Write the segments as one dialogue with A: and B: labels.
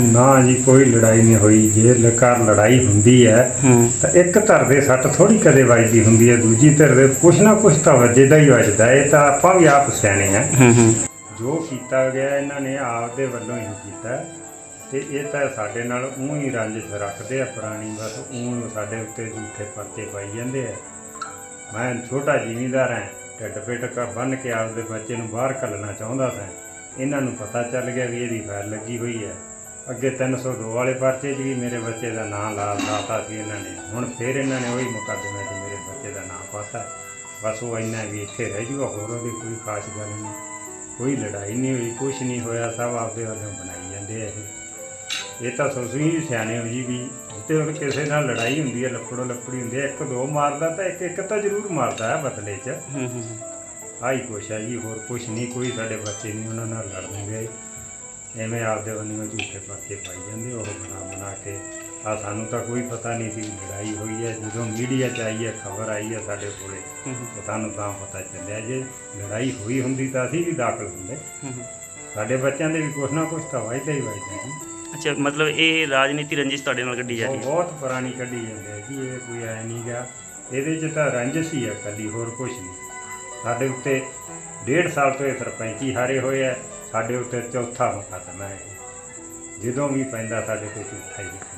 A: ना जी कोई लड़ाई नहीं हुई। जे घर लड़ाई हुंदी है तो एक धर दे सट थोड़ी कदे वजदी हुंदी है, दूजी धर दे कुछ ना कुछ तो वजदा ही वजदा है। तो आपां भी आप सियाणे हैं, जो कीता गया इन्हां ने आपदे वल्लों ही कीता ते ये तो साडे नाल ऊं ही रंजिश रखदे आ पुरानी, बस ऊं साडे उत्ते झूठे परचे पाई जांदे आ। मैं छोटा जिमीदार हां, ढिड पिट बन के आपदे बच्चे नूं बाहर घल्लना चाहुंदा सां। इन्हां नूं पता चल गया भी इहदी फाइल लगी हुई है। अगे 302 वाले परचे च भी मेरे बच्चे का नाम लाता सी इन्होंने, हुण फिर इन्होंने वही मुकदमे च मेरे बच्चे का नाम पाता। बस वो इन्ना भी इत्थे रह जूगा, होर ओहदी कोई खास गल नहीं, कोई लड़ाई नहीं हुई, कुछ नहीं होया, सब आपदे वालों बनाई जाते हैं। ये तो तुसीं भी सियाणे हो जी, भी जिते हुण किसी नाल लड़ाई हुंदी है, लफड़ो लफड़ी हुंदी है, एक दो मारदा तो एक एक तो जरूर मारदा है बदले च। आई कुछ है जी, होर कुछ नहीं, कोई साडे बच्चे नहीं उन्हां नाल लड़न गए। एवें आपदे वल्लों झूठे परचे पाई जाते, वो बना के आ सानू तो कोई पता नहीं सी लड़ाई हुई है। जो मीडिया च आई है, खबर आई है साडे कोले, तो सानू तां पता चलिया। जे लड़ाई हुई हुंदी तो असीं भी दाखल हुंदे, साडे बच्चों दे भी कुछ ना कुछ तो वजदा ही वजदा जी।
B: अच्छा, मतलब ये राजनीति रंजिश तुहाडे नाल कड्ढी जा रही है?
A: बहुत पुरानी कड्ढी जांदी है जी, ये कोई ऐ नहीं गा, इहदे च तां रंजिश ही है कल्ली, होर कुछ नहीं। साडे उत्ते 1.5 साल तो ये सरपंची हारे होए है, साडे उत्ते चौथा मुकदमा है। ਜਦੋਂ भी पैंदा साडे ते झूठा ही लिखना।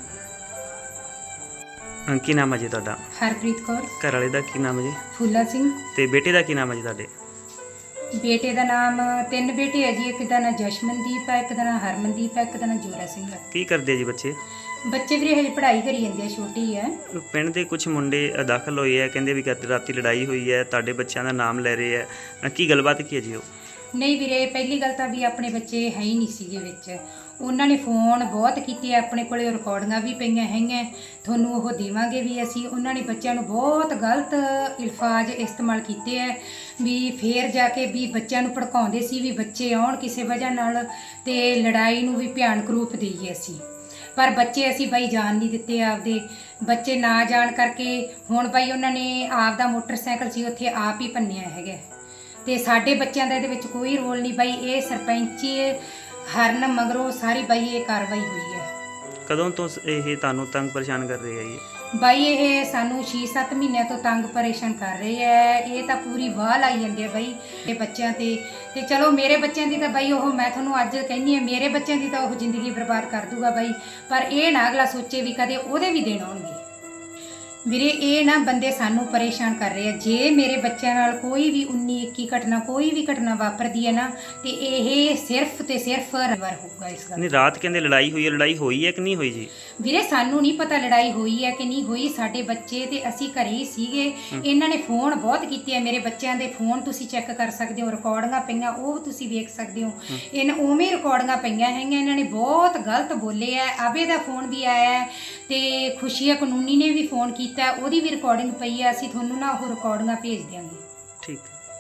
B: की नाम है जी तुहाडा?
C: हरप्रीत कौर।
B: घर वाले का की नाम है जी?
C: फूला सिंह।
B: ते बेटे का की नाम है जी तुहाडे?
C: बेटे का नाम 3 बेटे है जी, एक का नाम जशमनदीप है, एक का नाम हरमनदीप है, एक का नाम जोरा सिंह है।
B: की करते जी बच्चे?
C: बच्चे भी हजे पढ़ाई करी जाते, छोटी है।
B: पिंड के कुछ मुंडे दाखल होए है, कहते भी राती लड़ाई हुई है, तुहाडे बच्चों का नाम लै रहे है, की गलबात की है जी?
C: नहीं ਵੀਰੇ, ਪਹਿਲੀ ਗੱਲ ਤਾਂ ਵੀ ਆਪਣੇ ਬੱਚੇ ਹੈ ਹੀ ਨਹੀਂ ਸੀਗੇ ਵਿੱਚ। ਉਹਨਾਂ ਨੇ ਫੋਨ ਬਹੁਤ ਕੀਤੇ, ਆਪਣੇ ਕੋਲੇ ਰਿਕਾਰਡਿੰਗਾਂ ਵੀ ਪਈਆਂ ਹੈਗੀਆਂ, ਤੁਹਾਨੂੰ ਉਹ ਦੇਵਾਂਗੇ ਵੀ ਅਸੀਂ। ਉਹਨਾਂ ਨੇ ਬੱਚਿਆਂ ਨੂੰ ਬਹੁਤ ਗਲਤ ਅਲਫਾਜ਼ ਇਸਤੇਮਾਲ ਕੀਤੇ ਹੈ, ਵੀ ਫੇਰ ਜਾ ਕੇ ਵੀ ਬੱਚਿਆਂ ਨੂੰ ਭੜਕਾਉਂਦੇ ਸੀ ਵੀ ਬੱਚੇ ਆਉਣ ਕਿਸੇ ਵਜ੍ਹਾ ਨਾਲ ਤੇ ਲੜਾਈ ਨੂੰ ਵੀ ਭਿਆਨਕ ਰੂਪ ਦੇਈਏ ਅਸੀਂ। ਪਰ ਬੱਚੇ ਅਸੀਂ ਬਾਈ ਜਾਣ ਨਹੀਂ ਦਿੱਤੇ ਆਪਦੇ। ਬੱਚੇ ਨਾ ਜਾਣ ਕਰਕੇ ਹੁਣ ਬਾਈ ਉਹਨਾਂ ਨੇ ਆਪਦਾ ਮੋਟਰਸਾਈਕਲ ਸੀ ਉੱਥੇ ਆਪ ਹੀ ਭੰਨਿਆ ਹੈਗਾ, ਤੇ ਸਾਡੇ ਬੱਚਿਆਂ ਦਾ ਇਹਦੇ ਵਿੱਚ ਕੋਈ ਰੋਲ ਨਹੀਂ ਬਾਈ। ਇਹ ਸਰਪੰਚ ਹਰਨ ਮਗਰੋਂ ਸਾਰੀ ਬਾਈ ਇਹ ਕਾਰਵਾਈ ਹੋਈ ਹੈ।
B: ਕਦੋਂ ਤੋਂ ਇਹ ਤੁਹਾਨੂੰ ਤੰਗ ਪਰੇਸ਼ਾਨ ਕਰ ਰਹੇ ਹੈ ਜੀ?
C: ਬਾਈ ਇਹ ਸਾਨੂੰ 6-7 ਮਹੀਨਿਆਂ ਤੋਂ ਤੰਗ ਪਰੇਸ਼ਾਨ ਕਰ ਰਹੇ ਹੈ। ਇਹ ਤਾਂ ਪੂਰੀ ਵਾਹ ਲਾਈ ਜਾਂਦੇ ਆ ਬਾਈ ਇਹ ਬੱਚਿਆਂ ਤੇ ਚਲੋ ਮੇਰੇ ਬੱਚਿਆਂ ਦੀ ਤਾਂ ਬਾਈ ਉਹ, ਮੈਂ ਤੁਹਾਨੂੰ ਅੱਜ ਕਹਿੰਦੀ ਹਾਂ, ਮੇਰੇ ਬੱਚਿਆਂ ਦੀ ਤਾਂ ਉਹ ਜ਼ਿੰਦਗੀ ਬਰਬਾਦ ਕਰ ਦੂਗਾ ਬਾਈ, ਪਰ ਇਹ ਨਾ ਅਗਲਾ ਸੋਚੇ ਵੀ ਕਦੇ ਉਹਦੇ ਵੀ ਦਿਨ ਆਉਣਗੇ। ਵੀਰੇ ਇਹ ਨਾ ਬੰਦੇ ਸਾਨੂੰ ਪਰੇਸ਼ਾਨ ਕਰ ਰਹੇ ਆ। ਜੇ ਮੇਰੇ ਬੱਚਿਆਂ ਨਾਲ ਕੋਈ ਵੀ 19-21 ਘਟਨਾ, ਕੋਈ ਵੀ ਘਟਨਾ ਵਾਪਰਦੀ ਹੈ ਨਾ, ਤੇ ਇਹ ਸਿਰਫ ਤੇ ਸਿਰਫ ਰਵਰ ਹੋਊਗਾ ਇਸ ਗੱਲ।
B: ਨਹੀਂ, ਰਾਤ ਕਹਿੰਦੇ ਲੜਾਈ ਹੋਈ ਹੈ, ਲੜਾਈ ਹੋਈ ਹੈ ਕਿ ਨਹੀਂ ਹੋਈ ਜੀ?
C: ਵੀਰੇ ਸਾਨੂੰ ਨਹੀਂ ਪਤਾ ਲੜਾਈ ਹੋਈ ਹੈ ਕਿ ਨਹੀਂ ਹੋਈ। ਸਾਡੇ ਬੱਚੇ ਤੇ ਅਸੀਂ ਘਰੇ ਹੀ ਸੀਗੇ। ਇਹਨਾਂ ਨੇ ਫੋਨ ਬਹੁਤ ਕੀਤੇ ਆ, ਮੇਰੇ ਬੱਚਿਆਂ ਦੇ ਫੋਨ ਤੁਸੀਂ ਚੈੱਕ ਕਰ ਸਕਦੇ ਹੋ, ਰਿਕਾਰਡਿੰਗਾਂ ਪਈਆਂ ਉਹ ਤੁਸੀਂ ਵੇਖ ਸਕਦੇ ਹੋ। ਇਹਨਾਂ ਉਵੇਂ ਰਿਕਾਰਡਿੰਗਾਂ ਪਈਆਂ ਹੈਗੀਆਂ। ਇਹਨਾਂ ਨੇ ਬਹੁਤ ਗਲਤ ਬੋਲੇ ਆ। ਆਬੇ ਦਾ ਫੋਨ ਵੀ ਆਇਆ ਤੇ ਖੁਸ਼ੀਆ ਕਾਨੂੰਨੀ ਨੇ ਵੀ ਫੋਨ ਕੀਤਾ, ਉਹਦੀ ਵੀ ਰਿਕਾਰਡਿੰਗ ਪਈ ਆ। ਅਸੀਂ ਤੁਹਾਨੂੰ ਨਾ ਉਹ ਰਿਕਾਰਡਿੰਗਾਂ ਭੇਜ ਦਿਆਂਗੇ।
B: ਠੀਕ।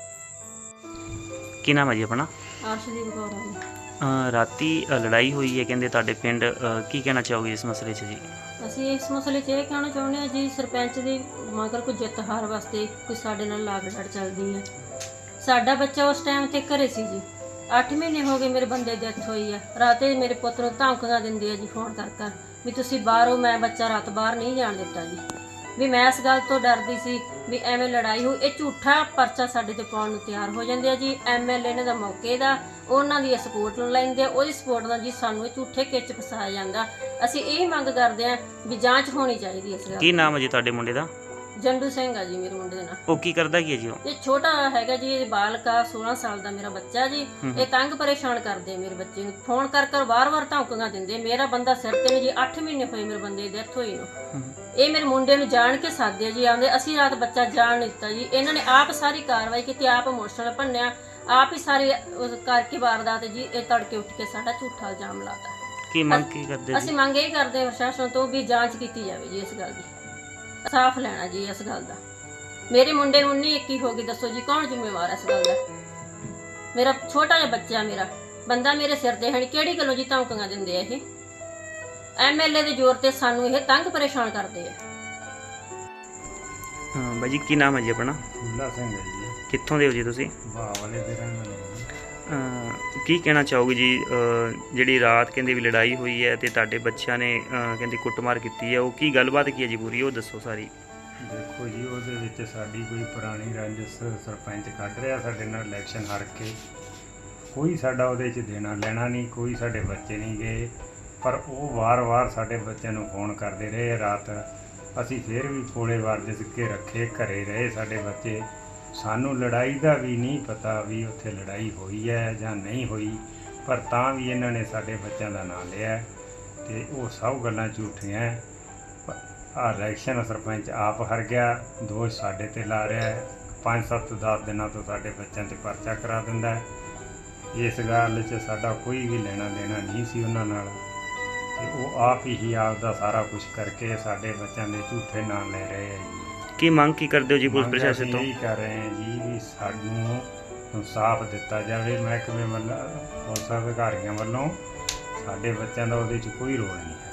B: ਕੀ ਨਾਮ ਹੈ ਜੀ ਆਪਣਾ?
D: ਅਰਸ਼ਦੀਪ ਕੌਰ ਜੀ।
B: ਰਾਤੀ ਲੜਾਈ ਹੋਈ ਹੈ ਕਹਿੰਦੇ ਤੁਹਾਡੇ ਪਿੰਡ, ਕੀ ਕਹਿਣਾ ਚਾਹੋਗੇ ਇਸ ਮਸਲੇ 'ਚ ਜੀ?
D: ਅਸੀਂ ਇਸ ਮਸਲੇ 'ਚ ਇਹ ਕਹਿਣਾ ਚਾਹੁੰਦੇ ਹਾਂ ਜੀ, ਸਰਪੰਚ ਦੀ ਮਗਰ ਕੋਈ ਜਿੱਤ ਹਾਰ ਵਾਸਤੇ ਕੋਈ ਸਾਡੇ ਨਾਲ ਲਾਗ ਡਾਟ ਚੱਲਦੀ ਹੈ। ਸਾਡਾ ਬੱਚਾ ਉਸ ਟਾਈਮ 'ਤੇ ਘਰੇ ਸੀ ਜੀ। 8 ਮਹੀਨੇ ਹੋ ਗਏ ਮੇਰੇ ਬੰਦੇ ਦੀ ਡੈਥ ਹੋਈ ਆ। ਰਾਤੇ ਮੇਰੇ ਪੁੱਤ ਨੂੰ ਧਮਕੀਆਂ ਦਿੰਦੇ ਆ ਜੀ ਫੋਨ ਕਰ ਵੀ ਤੁਸੀਂ ਬਾਹਰੋਂ, ਮੈਂ ਬੱਚਾ ਰਾਤ ਬਾਹਰ ਨਹੀਂ ਜਾਣ ਦਿੱਤਾ ਜੀ, ਵੀ ਮੈਂ ਇਸ ਗੱਲ ਤੋਂ ਡਰਦੀ ਸੀ ਵੀ ਐਵੇਂ ਲੜਾਈ ਹੋਈ। ਇਹ ਝੂਠਾ ਪਰਚਾ ਸਾਡੇ ਤੇ ਪਾਉਣ ਨੂੰ ਤਿਆਰ ਹੋ ਜਾਂਦੇ ਆ ਜੀ। MLA ਨੇ ਦਾ ਮੌਕੇ ਦਾ ਉਹਨਾਂ ਦੀ ਸਪੋਰਟ ਨੂੰ ਲੈਂਦੇ ਆ, ਉਹਦੀ ਸਪੋਰਟ ਨਾਲ ਜੀ ਸਾਨੂੰ ਇਹ ਝੂਠੇ ਕਿੱਚ ਫਸਾਇਆ ਜਾਂਦਾ। ਅਸੀਂ ਇਹ ਮੰਗ ਕਰਦੇ ਆ ਵੀ ਜਾਂਚ ਹੋਣੀ ਚਾਹੀਦੀ ਇਸ ਗੱਲ।
B: ਕੀ ਨਾਮ ਹੈ ਜੀ ਤੁਹਾਡੇ ਮੁੰਡੇ ਦਾ?
D: ਜੰਡੂ ਸਿੰਘ ਆ ਜੀ ਮੇਰੇ ਮੁੰਡੇ ਦਾ ਨਾਂ।
B: ਉਹ ਕੀ ਕਰਦਾ ਕੀ ਹੈ ਜੀ? ਉਹ
D: ਇਹ ਛੋਟਾ ਹੈਗਾ ਜੀ, ਇਹ ਬਾਲਕਾ 16 ਸਾਲ ਦਾ ਮੇਰਾ ਬੱਚਾ ਜੀ। ਇਹ ਤੰਗ ਪਰੇਸ਼ਾਨ ਕਰਦੇ ਮੇਰੇ ਬੱਚੇ ਨੂੰ, ਫੋਨ ਕਰ ਵਾਰ-ਵਾਰ ਧਮਕੀਆਂ ਦਿੰਦੇ। ਮੇਰਾ ਬੰਦਾ ਸਿਰ ਤੇ ਨੇ ਜੀ, 8 ਮਹੀਨੇ ਹੋਏ ਮੇਰੇ ਬੰਦੇ ਦੀ ਡੈਥ ਹੋਈ ਨੂੰ। ਇਹ ਮੇਰੇ ਮੁੰਡੇ ਨੂੰ ਜਾਣ ਕੇ ਸਾਦੇ ਜੀ ਆਉਂਦੇ, ਅਸੀਂ ਰਾਤ ਬੱਚਾ ਜਾਣ ਨਹੀਂ ਦਿੱਤਾ ਜੀ। ਇਹਨਾਂ ਨੇ ਆਪ ਸਾਰੀ ਕਾਰਵਾਈ ਕੀਤੀ, ਆਪ ਇਮੋਸ਼ਨਲ ਭੰਨਿਆ, ਆਪ ਹੀ ਸਾਰੀ ਕਰਕੇ ਵਾਰਦਾਤ ਜੀ। ਇਹ ਤੜਕੇ ਉੱਠ ਕੇ ਸਾਡਾ ਝੂਠਾ ਇਲਜ਼ਾਮ ਲਾਤਾ।
B: ਕੀ ਮੰਗ ਕੀ ਕਰਦੇ?
D: ਅਸੀਂ ਮੰਗ ਇਹ ਕਰਦੇ ਹਾਂ ਪ੍ਰਸ਼ਾਸਨ ਤੋਂ ਵੀ ਜਾਂਚ ਕੀਤੀ ਜਾਵੇ ਜੀ ਇਸ ਗੱਲ ਦੀ, ਸਾਫ਼ ਲੈਣਾ ਜੀ ਇਸ ਗੱਲ ਦਾ। ਮੇਰੇ ਮੁੰਡੇ ਨੂੰ 19-21 ਹੋ ਗਈ, ਦੱਸੋ ਜੀ ਕੌਣ ਜ਼ਿੰਮੇਵਾਰ ਹੈ ਇਸ ਗੱਲ ਦਾ? ਮੇਰਾ ਛੋਟਾ ਜਿਹਾ ਬੱਚਾ, ਮੇਰਾ ਬੰਦਾ ਮੇਰੇ ਸਿਰ ਤੇ ਹੈ, ਕਿਹੜੀ ਗੱਲੋਂ ਜੀ ਧਮਕੀਆਂ ਦਿੰਦੇ ਆ ਇਹ? MLA ਦੇ ਜ਼ੋਰ ਤੇ ਸਾਨੂੰ ਇਹ ਤੰਗ ਪਰੇਸ਼ਾਨ ਕਰਦੇ ਆ।
B: ਬਾਈ ਜੀ ਕੀ ਨਾਮ ਹੈ ਜੀ ਆਪਣਾ?
A: ਫੂਲਾ ਸਿੰਘ ਹੈ ਜੀ।
B: ਕਿੱਥੋਂ ਦੇ ਹੋ ਜੀ ਤੁਸੀਂ?
A: ਵਾਹ ਵਾਲੇ ਦੇ ਰਹਿਣ ਵਾਲੇ।
B: ਕੀ ਕਹਿਣਾ ਚਾਹੋਗੇ ਜੀ ਜਿਹੜੀ ਰਾਤ ਕਹਿੰਦੇ ਵੀ ਲੜਾਈ ਹੋਈ ਹੈ ਤੇ ਤੁਹਾਡੇ ਬੱਚਿਆਂ ਨੇ ਕਹਿੰਦੇ ਕੁੱਟਮਾਰ ਕੀਤੀ ਹੈ, ਉਹ ਕੀ ਗੱਲਬਾਤ ਕੀ ਹੈ ਜੀ ਪੂਰੀ, ਉਹ ਦੱਸੋ ਸਾਰੀ।
A: ਦੇਖੋ ਜੀ, ਉਹਦੇ ਵਿੱਚ ਸਾਡੀ ਕੋਈ ਪੁਰਾਣੀ ਰੰਜਿਸ਼ ਸਰਪੰਚ ਕੱਢ ਰਿਹਾ ਸਾਡੇ ਨਾਲ ਇਲੈਕਸ਼ਨ ਹਾਰ ਕੇ। ਕੋਈ ਸਾਡਾ ਉਹਦੇ 'ਚ ਦੇਣਾ ਲੈਣਾ ਨਹੀਂ, ਕੋਈ ਸਾਡੇ ਬੱਚੇ ਨਹੀਂ ਗਏ, ਪਰ ਉਹ ਵਾਰ-ਵਾਰ ਸਾਡੇ ਬੱਚਿਆਂ ਨੂੰ ਫੋਨ ਕਰਦੇ ਰਹੇ ਰਾਤ। ਅਸੀਂ ਫਿਰ ਵੀ ਕੋਲੇ ਵਰਜਿਸ਼ ਕੇ ਰੱਖੇ, ਘਰੇ ਰਹੇ ਸਾਡੇ ਬੱਚੇ। ਸਾਨੂੰ ਲੜਾਈ ਦਾ ਵੀ ਨਹੀਂ ਪਤਾ ਵੀ ਉੱਥੇ ਲੜਾਈ ਹੋਈ ਹੈ ਜਾਂ ਨਹੀਂ ਹੋਈ, ਪਰ ਤਾਂ ਵੀ ਇਹਨਾਂ ਨੇ ਸਾਡੇ ਬੱਚਿਆਂ ਦਾ ਨਾਂ ਲਿਆ ਤੇ ਉਹ ਸਭ ਗੱਲਾਂ ਝੂਠੀਆਂ। ਆ ਇਲੈਕਸ਼ਨ ਸਰਪੰਚ ਆਪ ਹਾਰ ਗਿਆ, ਦੋਸ਼ ਸਾਡੇ ਤੇ ਲਾ ਰਿਹਾ ਹੈ। 5-7-10 ਦਿਨਾਂ ਤੋਂ ਸਾਡੇ ਬੱਚਿਆਂ ਤੇ ਪਰਚਾ ਕਰਾ ਦਿੰਦਾ ਹੈ। ਇਸ ਗੱਲ 'ਚ ਸਾਡਾ ਕੋਈ ਵੀ ਲੈਣਾ ਦੇਣਾ ਨਹੀਂ ਸੀ ਉਹਨਾਂ ਨਾਲ, ਤੇ ਉਹ ਆਪ ਹੀ ਆਪ ਦਾ ਸਾਰਾ ਕੁਝ ਕਰਕੇ ਸਾਡੇ ਬੱਚਿਆਂ ਦੇ ਝੂਠੇ ਨਾਂ ਲੈ ਰਹੇ ਹੈ ਜੀ।
B: ਕੀ ਮੰਗ ਕੀ ਕਰਦੇ ਹੋ ਜੀ ਪੁਲਿਸ
A: ਮੰਗ
B: ਪ੍ਰਸ਼ਾਸਨ
A: ਅਸੀਂ
B: ਤੋਂ?
A: ਇਹੀ ਕਰ ਰਹੇ ਹਾਂ ਜੀ ਵੀ ਸਾਨੂੰ ਇਨਸਾਫ ਦਿੱਤਾ ਜਾਵੇ ਮਹਿਕਮੇ ਵੱਲੋਂ, ਪੁਲਿਸ ਅਧਿਕਾਰੀਆਂ ਵੱਲੋਂ। ਸਾਡੇ ਬੱਚਿਆਂ ਦਾ ਉਹਦੇ 'ਚ ਕੋਈ ਰੋਲ ਨਹੀਂ ਹੈ।